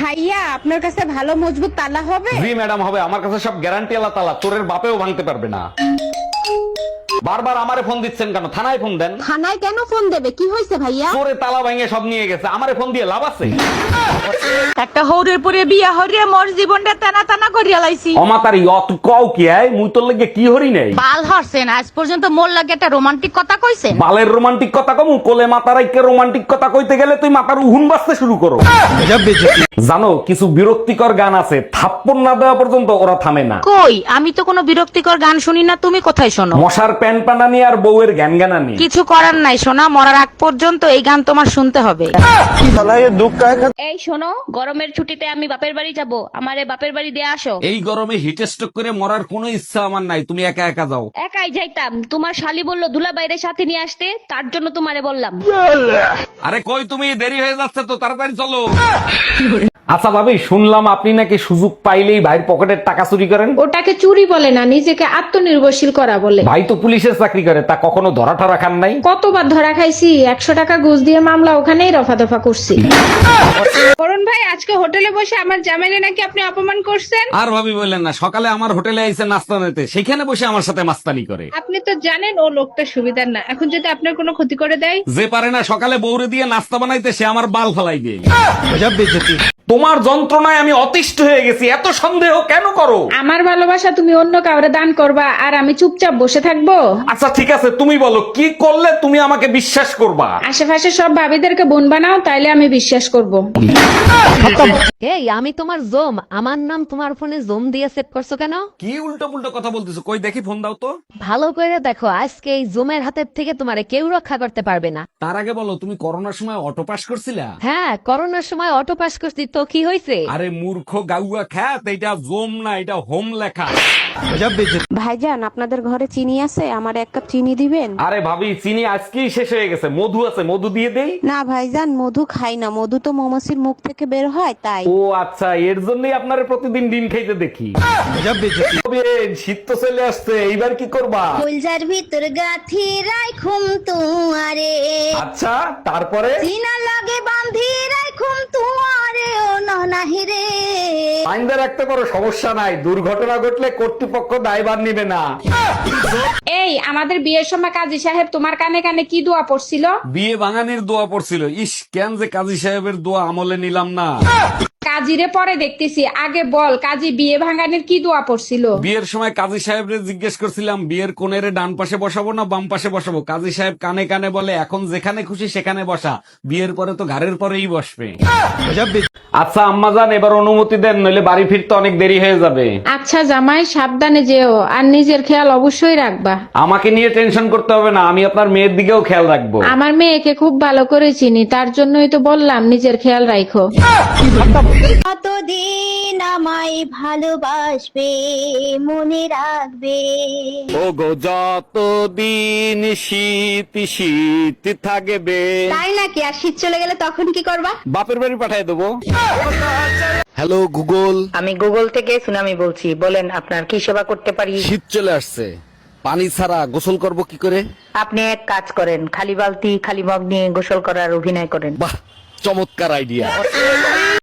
ভাইয়া আপনার কাছে ভালো মজবুত তালা হবে? জি ম্যাডাম, হবে। আমার কাছে সব গ্যারান্টি আলা তালা, চোরের বাপেও ভাঙতে পারবে না। বারবার আমারে ফোন দিচ্ছেন কেন? থানায় ফোন দেন। থানায় কেন ফোন দেবে? কি হয়েছে ভাইয়া? চোরে তালা ভাঙে সব নিয়ে গেছে, আমারে ফোন দিয়ে লাভ আছে? একটা হৌরের পরে বিয়া হরিয়া মোর জীবনটা টানা টানা করিয়া লাইছি। অমাতারি অত কও কি আয়, মুই তোর লেগে কি হরি নাই? বাল হরছেন, আজ পর্যন্ত মোর লাগে একটা রোমান্টিক কথা কইছেন? বালের রোমান্টিক কথা কমু? কোলে মাতার আইকে রোমান্টিক কথা কইতে গেলে তুই মাথার উহুন বাজতে শুরু করো। জানো, কিছু বিরক্তিকর গান আছে, থাপ্পড় না দেওয়া পর্যন্ত ওরা থামে না। কই, আমি তো কোনো বিরক্তিকর গান শুনি না, তুমি কোথায় শোনো? মশার প্যান পানানি আর বউয়ের জ্ঞান জ্ঞানানি। কিছু করার নাই সোনা, মরার আগ পর্যন্ত এই গান তোমার শুনতে হবে। এই শোনো, গরমের ছুটিতে আমি বাপের বাড়ি যাব, আমারে বাপের বাড়ি দিয়ে আসো। এই গরমে হিট স্ট্রোক করে মরার কোনো ইচ্ছা আমার নাই, তুমি একা একা যাও। একাই যাইতাম, তোমার শালি বললো দুলা বাইরে সাথে নিয়ে আসতে, তার জন্য তোমারে বললাম। আরে কই তুমি, দেরি হয়ে যাচ্ছে তো, তাড়াতাড়ি চলো। আচ্ছা ভাবি, শুনলাম আপনি নাকি সুযোগ পাইলেই ভাইয়ের পকেটের টাকা চুরি করেন। ওটাকে চুরি বলে না, নিজেকে আত্মনির্ভরশীল করা বলে। ভাই তো পুলিশের চাকরি করে, তা কখনো ধরা ঠরা খান নাই? কতবার ধরা খাইছি, 100 টাকা ঘুষ দিয়ে মামলা ওখানেই রফা দফা করছি। অরুণ ভাই, আজকে হোটেলে বসে আমার জামাইরে নাকি আপনি অপমান করছেন। আর ভাবি বললেন না, সকালে আমার হোটেলে আইসে নাস্তা নিতে, সেখানে বসে আমার সাথে মাস্তানি করে। আপনি তো জানেন ও লোকটা সুবিধার না, এখন যদি আপনার কোনো ক্ষতি করে দেয়। যে পারে না সকালে বউরে দিয়ে নাস্তা বানাইতে, সে আমার বাল ফেলাই দিয়ে। তোমার যন্ত্রণায় আমি অতিষ্ঠ হয়ে গেছি, এত সন্দেহ কেন করো? আমার ভালোবাসা তুমি অন্য কাউরে দান করবা আর আমি চুপচাপ বসে থাকবো? আচ্ছা ঠিক আছে, তুমি বলো কি করলে তুমি আমাকে বিশ্বাস করবা? আশেপাশে সব ভাবিদেরকে বোন বানাও, তাইলে আমি বিশ্বাস করব। এই আমি তোমার জোম, আমার নাম তোমার ফোনে জোম দিয়ে সেট করছো কেন? কি উল্টো পুল্টো কথা বলতেছো? কই দেখি, ফোন দাও তো। ভালো করে দেখো, আজকে এই জোমের হাতের থেকে তোমারে কেউ রক্ষা করতে পারবে না। তার আগে বলো, তুমি করোনার সময় অটো পাস করছিলা? হ্যাঁ, করোনার সময় অটো পাস করছি, তো কি হয়েছে? আরে মূর্খ গাউয়া খ্যাত, এটা জোম না, এটা হোম লেখা। ভাইজান, আপনাদের ঘরে চিনি আছে? আমার 1 কাপ চিনি দিবেন? আরে ভাবি, চিনি আজকেই শেষ হয়ে গেছে। মধু আছে, মধু দিয়ে দেই? না ভাইজান, মধু খাই না, মধু তো মৌমাছির মুখ থেকে বের হয় তাই। ও আচ্ছা, এর জন্যই আপনারে প্রতিদিন ডিম খাইতে দেখি। বেন, শীত তো চলে আসছে, এইবার কি করবা? ফুলজার ভিতর গাথি রাইখুম তুয়ারে, আচ্ছা, তারপরে? চিনা লাগে বান্ধি রাইখুম তুয়ারে, ও ননাহি রে। আইনদা রাখতে পারো, সমস্যা নাই। দুর্ঘটনা ঘটলে কর্তৃপক্ষ দায়ভার নিবে না। এই, আমাদের বিয়ের সময় কাজী সাহেব তোমার কানে কানে কি দোয়া পড়ছিল? বিয়ে ভাঙানির দোয়া পড়ছিল। ইস, কেন যে কাজী সাহেবের দোয়া আমলে নিলাম না। কাজীরে পরে দেখতেছি, আগে বল কাজী বিয়ে ভাঙানির কি দোয়া পড়ছিল? বিয়ের সময় কাজী সাহেবরে জিজ্ঞেস করছিলাম, বিয়ের কোণের ডান পাশে বসাবো না বাম পাশে বসাবো? কাজী সাহেব কানে কানে বলে, এখন যেখানে খুশি সেখানে বসা, বিয়ের পরে তো ঘাড়ের পরেই বসবে। আচ্ছা আম্মাজান, এবার অনুমতি দেন, নইলে বাড়ি ফিরতে অনেক দেরি হয়ে যাবে। আচ্ছা জামাই, সাবধানে যেও আর নিজের খেয়াল অবশ্যই রাখবা। আমাকে নিয়ে টেনশন করতে হবে না, আমি আপনার মেয়ের দিকেও খেয়াল রাখবো। আমার মেয়েকে খুব ভালো করে চিনি, তার জন্যই তো বললাম নিজের খেয়াল রাখো। কতদিন আমায় ভালোবাসবে, মনে রাখবে। ও গো, যতদিন শীত শীত থাকবে। তাই নাকি? আর শীত চলে গেলে তখন কি করবা? বাপের বাড়ি পাঠিয়ে দেবো। Hello Google. আমি গুগল থেকে সুনামি বলছি, বলেন আপনার কি সেবা করতে পারি? শীত চলে আসছে, পানি ছাড়া গোসল করব কি করে? আপনি এক কাজ করেন, খালি বালতি খালি মগ নিয়ে গোসল করার অভিনয় করেন। বাহ, চমৎকার আইডিয়া।